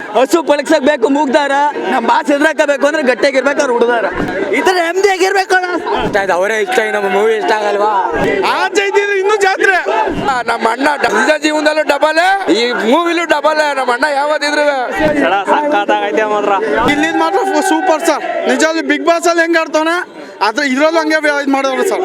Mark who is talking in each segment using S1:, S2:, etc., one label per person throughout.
S1: ಹಸು ಪಳಗ್ಸಕ್ ಮೂಗ್ದಾರ ನಮ್ಮ ಬಾಸ್ ಎದ್ರಾಕಬೇಕು ಅಂದ್ರೆ ಗಟ್ಟಿಯಾಗಿರ್ಬೇಕು ಅವ್ರು ಹುಡುದಾರ ಈ ತರ ನೆಮ್ಮದಿ ಆಗಿರ್ಬೇಕು ಅವರೇ ಇಷ್ಟ ನಮ್ಮ ಮೂವಿ ಇಷ್ಟ ಆಗಲ್ವಾ
S2: ಇನ್ನೂ ಜಾತ್ರೆ ನಮ್ಮ ಅಣ್ಣ ನಿಜ ಜೀವನದಲ್ಲೂ ಡಬಲ್ ಈ ಮೂವಿಲೂ ಡಬಲ್ ನಮ್ಮ ಅಣ್ಣ ಯಾವತ್ತಿದ್ರು ಇಲ್ಲಿ ಮಾತ್ರ ಸೂಪರ್ ಸರ್ ನಿಜವಾಗ್ಲೂ ಬಿಗ್ ಬಾಸ್ ಅಲ್ಲಿ ಹೆಂಗ್ ಆಡ್ತಾನೆ ಆದ್ರೆ ಇದ್ರಲ್ಲೂ ಹಂಗೆ ಇದು ಮಾಡೋರು ಸರ್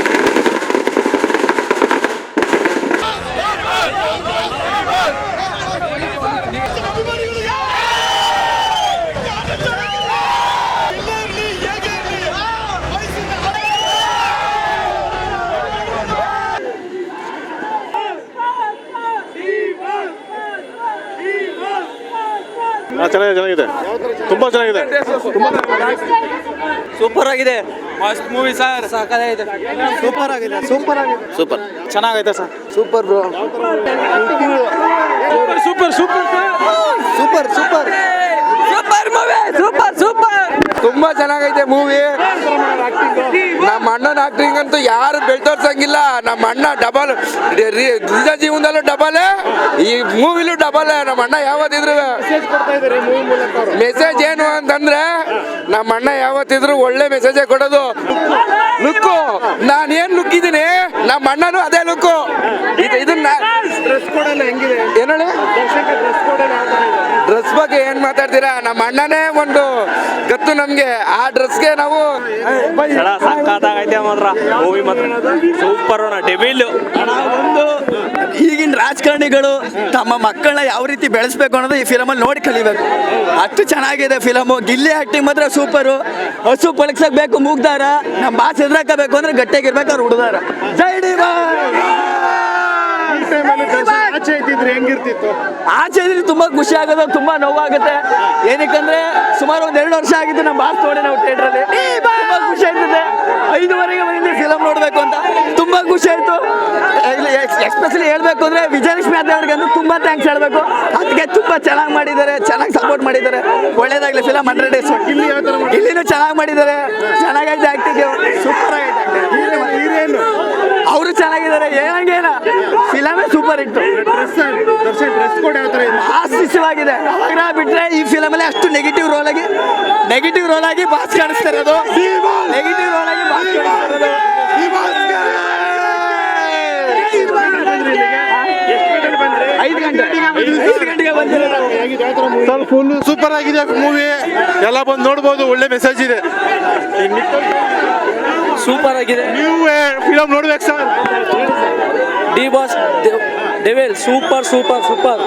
S3: ಚೆನ್ನಾಗಿದೆ ತುಂಬಾ ಚೆನ್ನಾಗಿದೆ
S1: ಸೂಪರ್ ಆಗಿದೆ ಮಸ್ತ್ ಮೂವಿ ಸರ್ ಸಾಕಾಗಿದೆ
S2: ಸೂಪರ್ ಆಗಿದೆ ಸೂಪರ್ ಆಗಿದೆ
S1: ಸೂಪರ್
S3: ಚೆನ್ನಾಗೈತೆ sir
S2: super bro
S1: super super
S2: super super
S1: super movie super super
S2: ತುಂಬಾ ಚೆನ್ನಾಗೈತೆ ಮೂವಿ ನಮ್ಮ ಅಣ್ಣನ ಆಕ್ಟಿಂಗ್ ಅಂತೂ ಯಾರು ಬೆಳ್ತೋರ್ಸಂಗಿಲ್ಲ ನಮ್ಮ ಅಣ್ಣ ಡಬಲ್ ನಿಜ ಜೀವನದಲ್ಲೂ ಡಬಲ್ ಈ ಮೂವಿಲೂ ಡಬಲ್ ನಮ್ಮ ಅಣ್ಣ ಯಾವತ್ತಿದ್ರು ಮೆಸೇಜ್ ಏನು ಅಂತಂದ್ರೆ ನಮ್ಮ ಅಣ್ಣ ಯಾವತ್ತಿದ್ರು ಒಳ್ಳೆ ಮೆಸೇಜೇ ಕೊಡೋದು ಲುಕ್ಕು ನಾನೇನ್ ಲುಕ್ ಇದ್ದೀನಿ ನಮ್ಮ ಅಣ್ಣನು ಅದೇ ಲುಕ್ಕು ಇದನ್ನ ಏನ್ ಹೇಳಿ ಡ್ರೆಸ್ ಬಗ್ಗೆ ಏನ್ ಮಾತಾಡ್ತೀರಾ ನಮ್ಮ ಅಣ್ಣನೇ ಒಂದು ಗೊತ್ತು ನಮ್ಗೆ ಆ ಡ್ರೆಸ್ಗೆ ನಾವು
S3: ಮೂವಿ ಮಾತ್ರ ಸೂಪರ್ ಡೆವಿಲ್
S1: ಒಂದು ಈಗಿನ ರಾಜಕಾರಣಿಗಳು ತಮ್ಮ ಮಕ್ಕಳನ್ನ ಯಾವ ರೀತಿ ಬೆಳೆಸ್ಬೇಕು ಅನ್ನೋದು ಈ ಫಿಲಮಲ್ಲಿ ನೋಡಿ ಕಲಿಬೇಕು ಅಷ್ಟು ಚೆನ್ನಾಗಿದೆ ಫಿಲಮು ಗಿಲ್ಲಿ ಆಕ್ಟಿಂಗ್ ಮಾತ್ರ ಸೂಪರು ಹಸು ಪಳಗ್ಸಕ್ ಮೂಗ್ದಾರ ನಮ್ಮ ಬಾಸ್ ಎದ್ರಾಕಬೇಕು ಅಂದ್ರೆ ಗಟ್ಟಿಯಾಗಿರ್ಬೇಕು ಅವ್ರು ಹುಡುದಾರ ಜೈ ಡಿ ಆಚೆ ಇದ್ರೆ ತುಂಬಾ ಖುಷಿ ಆಗೋದು ತುಂಬಾ ನೋವಾಗುತ್ತೆ ಏನಕ್ಕಂದ್ರೆ ಸುಮಾರು ಒಂದ್ 2 ವರ್ಷ ಆಗಿತ್ತು ನಮ್ಮ ಬಾಸ್ ನೋಡಿ ನಾವು ಥಿಯೇಟರ್ ಅಲ್ಲಿ ತುಂಬಾ ಖುಷಿ ಆಗ್ತದೆ 5:30ಗೆ ಬಂದಿದ್ದೆ ಫಿಲಮ್ ನೋಡ್ಬೇಕು ಅಂತ ತುಂಬಾ ಖುಷಿ ಆಯ್ತು ಎಸ್ಪೆಷಲಿ ಹೇಳ್ಬೇಕು ಅಂದ್ರೆ ವಿಜಯಲಕ್ಷ್ಮಿ ಅವ್ರಿಗೆ ಅಂದ್ರೆ ತುಂಬಾ ಥ್ಯಾಂಕ್ಸ್ ಹೇಳ್ಬೇಕು ಅದಕ್ಕೆ ತುಂಬಾ ಚೆನ್ನಾಗಿ ಮಾಡಿದ್ದಾರೆ ಚೆನ್ನಾಗಿ ಸಪೋರ್ಟ್ ಮಾಡಿದ್ದಾರೆ ಒಳ್ಳೇದಾಗ್ಲಿ ಫಿಲಮ್ 100 ಡೇಸ್ ಇಲ್ಲಿನೂ ಚೆನ್ನಾಗಿ ಮಾಡಿದ್ದಾರೆ ಚೆನ್ನಾಗೈತೆ ಆಕ್ಟಿಂಗ್ ಸೂಪರ್ ಆಗೈತೆ ಅವರು ಚೆನ್ನಾಗಿದ್ದಾರೆ ಏನಂಗೇನ ಫಿಲಮೇ ಸೂಪರ್ ಇತ್ತು ಆಶಿಸವಾಗಿದೆ ಅವಾಗ ಬಿಟ್ರೆ ಈ ಫಿಲಮ್ ಅಲ್ಲಿ ಅಷ್ಟು ನೆಗೆಟಿವ್ ರೋಲ್ ಆಗಿ ಬಾಸ್ ಕಾಣಿಸ್ತಾ ಇರೋದು ನೆಗೆಟಿವ್ ರೋಲ್ ಆಗಿ ಬಾಸ್ ಕಾಣಿಸ್ತಾ ಇರೋದು 5 ಗಂಟೆಗೆ ಬಂದಿರೋದು
S3: ಫುಲ್ ಸೂಪರ್ ಆಗಿದೆ ಮೂವಿ ಎಲ್ಲ ಬಂದು ನೋಡ್ಬೋದು ಒಳ್ಳೆ ಮೆಸೇಜ್ ಇದೆ
S1: ಸೂಪರ್ ಆಗಿದೆ
S3: ನೀವು ಫಿಲಮ್ ನೋಡ್ಬೇಕು sir
S1: D Boss devil super super super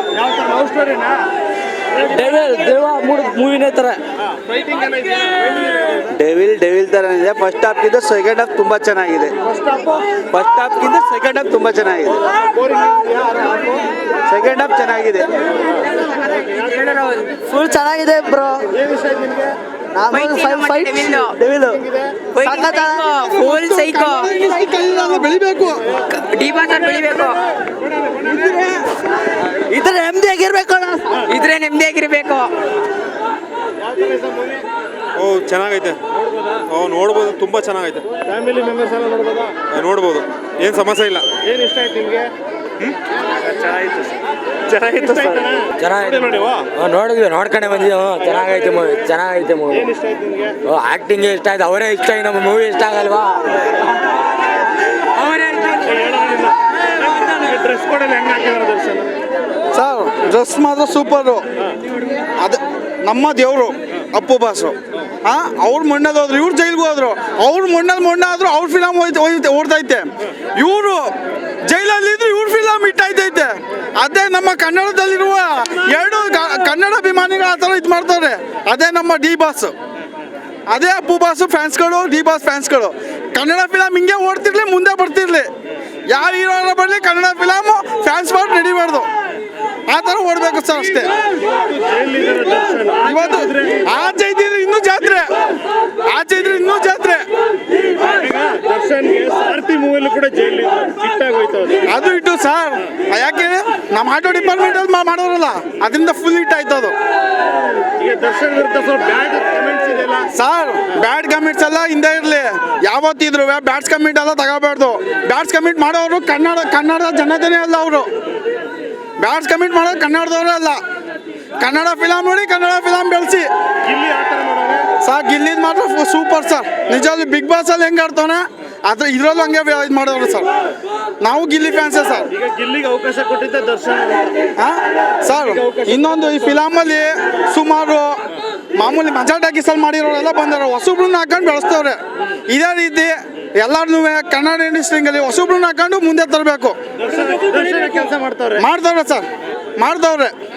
S1: devil ದೇವ ಮೂವಿನೇ ತರ
S4: ಡೆವಿಲ್ ತರ ಇದೆ ಫಸ್ಟ್ ಹಾಫ್ಗಿಂತ ಸೆಕೆಂಡ್ ಹಾಫ್ ತುಂಬಾ ಚೆನ್ನಾಗಿದೆ ಸೆಕೆಂಡ್ ಹಾಫ್ ತುಂಬಾ ಚೆನ್ನಾಗಿದೆ ಸೆಕೆಂಡ್ ಹಾಫ್ ಚೆನ್ನಾಗಿದೆ
S1: ಫುಲ್ ಚೆನ್ನಾಗಿದೆ ಬ್ರೋ ಫುಲ್ ಸೈಕೋ
S2: ಬೆಳಿಬೇಕು
S1: ಬೆಳಿಬೇಕು ಇದ್ರೆ ನೆಮ್ಮದಿಯಾಗಿರ್ಬೇಕು
S3: ಓ ಚೆನ್ನಾಗೈತೆ ನೋಡ್ಬೋದು ತುಂಬಾ ಚೆನ್ನಾಗೈತೆ ಫ್ಯಾಮಿಲಿ ಮೆಂಬರ್ಸ್ ಎಲ್ಲ ನೋಡ್ಬೋದಾ ನೋಡ್ಬೋದು ಏನು ಸಮಸ್ಯೆ ಇಲ್ಲ ಏನು ಇಷ್ಟ ಆಯ್ತು ನಿಮಗೆ ಚೆನ್ನಾಗಿತ್ತು
S1: ನೋಡಿದ್ವಿ ನೋಡ್ಕೊಂಡೆ ಬಂದಿದ್ವಿ ಚೆನ್ನಾಗೈತೆ ಮೂವಿ ಆಕ್ಟಿಂಗ್ ಇಷ್ಟ ಆಯ್ತು ಅವರೇ ಇಷ್ಟ ನಮ್ಮ ಮೂವಿ ಇಷ್ಟ ಆಗಲ್ವಾ
S3: ಡ್ರೆಸ್ ಕೊಡಲ್ಲ ಹೆಂಗೆ ಹಾಕಿದಾರೆ ದರ್ಶನ್
S2: ಸರ್ ಡ್ರೆಸ್ ಮಾತ್ರ ಸೂಪರು ಅದು ನಮ್ಮ ದೇವರು ಅಪ್ಪು ಬಾಸು ಅವ್ರು ಮಣ್ಣಲ್ಲಿ ಹೋದ್ರು ಇವ್ರು ಜೈಲ್ಗೆ ಹೋದ್ರು ಅವ್ರು ಮಣ್ಣಾದ್ರು ಅವ್ರ ಫಿಲಮ್ ಓಡ್ತೈತೆ ಇವರು ಜೈಲಲ್ಲಿದ್ರು ಇವ್ರ ಫಿಲಮ್ ಇಟ್ಟೈತೈತೆ ಅದೇ ನಮ್ಮ ಕನ್ನಡದಲ್ಲಿರುವ 2 ಕನ್ನಡ ಅಭಿಮಾನಿಗಳು ಆ ಥರ ಇದು ಮಾಡ್ತಾರೆ ಅದೇ ನಮ್ಮ ಡಿ ಬಾಸ್ ಅದೇ ಅಪ್ಪು ಬಾಸು ಫ್ಯಾನ್ಸ್ಗಳು ಡಿ ಬಾಸ್ ಫ್ಯಾನ್ಸ್ಗಳು ಕನ್ನಡ ಫಿಲಮ್ ಹಿಂಗೆ ಓಡ್ತಿರ್ಲಿ ಮುಂದೆ ಬರ್ತಿರ್ಲಿ ಯಾವ ಹೀರೋ ಬರಲಿ ಕನ್ನಡ ಫಿಲಮು ಫ್ಯಾನ್ಸ್ ಮಾಡಿ ನಡಿಬಾರ್ದು ಆ ಥರ ಓಡಬೇಕು ಸರ್ ಅಷ್ಟೇ ಇವತ್ತು ಆಚೆ ಇದ್ರೆ ಇನ್ನೂ ಜಾತ್ರೆ ಅದು ಇಟ್ಟು ಸರ್ ಯಾಕೆ ನಮ್ಮ ಆಟೋ ಡಿಪಾರ್ಟ್ಮೆಂಟ್ ಅಲ್ಲಿ ಮಾಡೋರಲ್ಲ ಅದರಿಂದ ಫುಲ್ ಹಿಟ್ ಆಯ್ತು ಅದು ಸರ್ ಬ್ಯಾಡ್ ಕಮೆಂಟ್ಸ್ ಎಲ್ಲ ಹಿಂದೆ ಇರಲಿ ಯಾವತ್ತಿದ್ರು ಬ್ಯಾಡ್ಸ್ ಕಮೆಂಟ್ ಎಲ್ಲ ತಗೋಬಾರ್ದು ಬ್ಯಾಡ್ಸ್ ಕಮೆಂಟ್ ಮಾಡೋರು ಕನ್ನಡ ಜನತೆನೇ ಅಲ್ಲ ಅವರು ಬ್ಯಾಡ್ಸ್ ಕಮಿಟ್ ಮಾಡೋದು ಕನ್ನಡದವರೇ ಅಲ್ಲ. ಕನ್ನಡ ಫಿಲಮ್ ನೋಡಿ, ಕನ್ನಡ ಫಿಲಮ್ ಬೆಳೆಸಿ.
S3: ಗಿಲ್ಲಿ ಆ ಥರ ಮಾಡೋನೆ.
S2: ಸರ್ ಗಿಲ್ಲಿದ್ ಮಾತ್ರ ಸೂಪರ್ ಸರ್. ನಿಜವಾಗ್ಲೂ ಬಿಗ್ ಬಾಸ್ ಅಲ್ಲಿ ಹೆಂಗೆ ಆಡ್ತಾನೆ ಅದ್ರ ಇದ್ರಲ್ಲೂ ಹಂಗೆ ಇದು ಮಾಡೋರು ಸರ್. ನಾವು ಗಿಲ್ಲಿ ಫ್ಯಾನ್ಸೇ ಸರ್.
S3: ಈಗ ಗಿಲ್ಲಿಗೆ ಅವಕಾಶ ಕೊಟ್ಟಿದ್ದೆ ದರ್ಶನ್
S2: ಸರ್ ಇನ್ನೊಂದು ಈ ಫಿಲಮಲ್ಲಿ ಸುಮಾರು ಮಾಮೂಲಿ ಮಜಾ ಟಾಕೀಸಲ್ಲಿ ಮಾಡಿರೋರೆಲ್ಲ ಬಂದಾರೆ, ಹೊಸಬ್ರನ್ನ ಹಾಕೊಂಡು ಬೆಳೆಸ್ತವ್ರೆ. ಇದೇ ರೀತಿ ಎಲ್ಲಾರನ್ನೂ ಕನ್ನಡ ಇಂಡಸ್ಟ್ರಿಯಲ್ಲಿ ಹೊಸಬ್ರನ್ನ ಹಾಕೊಂಡು ಮುಂದೆ ತರಬೇಕು.
S3: ದರ್ಶನ ಕೆಲಸ ಮಾಡ್ತಾವ್ರೆ
S2: ಮಾಡ್ತವ್ರೆ ಸರ್, ಮಾಡ್ತವ್ರೆ.